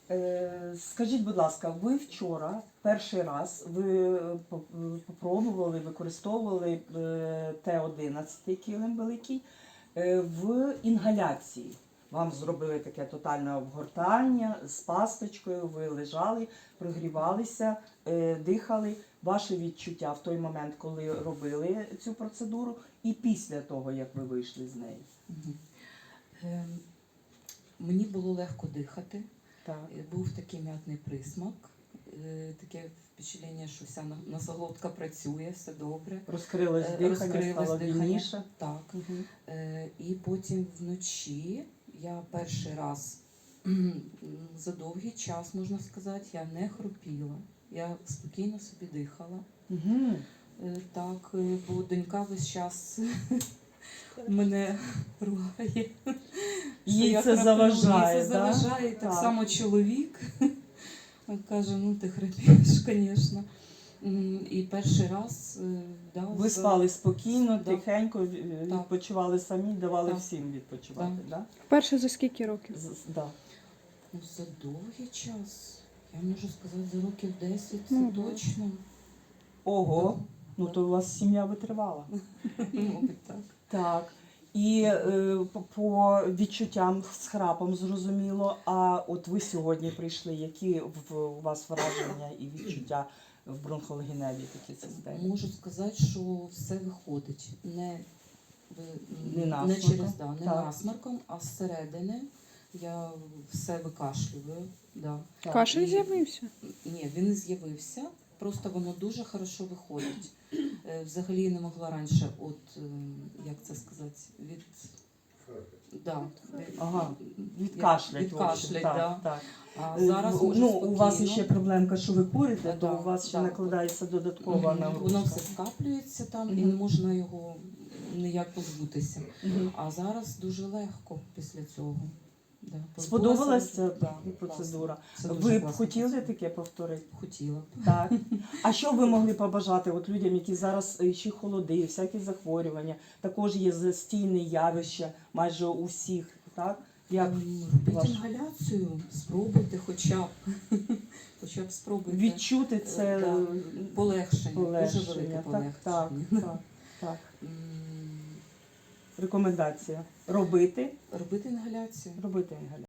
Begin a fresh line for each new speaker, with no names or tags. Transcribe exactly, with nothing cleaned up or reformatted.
Е, Скажіть, будь ласка, ви вчора перший раз ви попробували, використовували Т одинадцять килим великий е, в інгаляції. Вам зробили таке тотальне обгортання з пасточкою, ви лежали, прогрівалися, е, дихали. Ваші відчуття в той момент, коли робили цю процедуру, і після того, як ви вийшли з неї?
Угу. Е, мені було легко дихати.
Так.
Був такий м'ятний присмак, е, таке впечатлення, що вся носоглотка працює, все добре.
Розкрилось дихання,
Розкрилось
стало
дихання.
вільніше.
Так.
Угу.
Е, і потім вночі я перший раз за довгий час, можна сказати, я не хропіла. Я спокійно собі дихала.
Угу.
Е, так, бо донька весь час мене ругає.
Їй це заважає,
Їй це
да?
заважає, так,
Так
само чоловік. Він каже, ну ти хрипиш, звісно. І перший раз, да,
ви спали спокійно,
да.
тихенько, відпочивали самі, давали
так.
всім відпочивати,
Да.
Да?
Вперше за скільки років?
З- да.
Ну, за довгий час, я можу сказати, за років десять, це
Мгм.
точно.
Ого,
Да.
ну то у вас сім'я витривала.
Мабуть, так.
Так. І е, по- по відчуттям з храпом зрозуміло, а от ви сьогодні прийшли, які в, у вас враження і відчуття в бронхологеневій такій системі?
Можу сказати, що все виходить. Не, ви-
Не
не
насморком.
через да, не
Так.
насморком, а зсередини я все викашлюю. Да.
Так.
Кашель
І-
з'явився?
Ні, він не з'явився, просто воно дуже хорошо виходить. Е, Взагалі не могла раніше, от, е, як це сказати, від... Да, від-
Ага,
як-
відкашлять.
відкашлять,
так,
да.
так.
А
Е,
зараз
ну,
можу
ну, у вас
спокійно.
ще проблемка, що ви курите, то
Да,
у вас ще
да.
накладається додаткова
Мгм.
нагрузка.
Воно все скаплюється там і
Мгм.
не можна його ніяк позбутися.
Мгм.
А зараз дуже легко після цього. Да.
Сподобалась ця
Да,
процедура?
класно. Це дуже
Ви б
класна
хотіли
процедура.
таке повторити?
Хотіла б.
Так. А що ви могли побажати от людям, які зараз е, ще холоди, всякі захворювання, також є застійне явище майже у всіх, так? Як
Ем, Робіть
ваш-
інгаляцію, спробуйте хоча б. Хоча б спробуйте.
відчути це
Е, да.
е,
Полегшення, дуже
полегшення?
велике
Так,
полегшення.
так, так, так.
М,
Рекомендація. Робити,
Робити інгаляцію.
робити інгаляцію.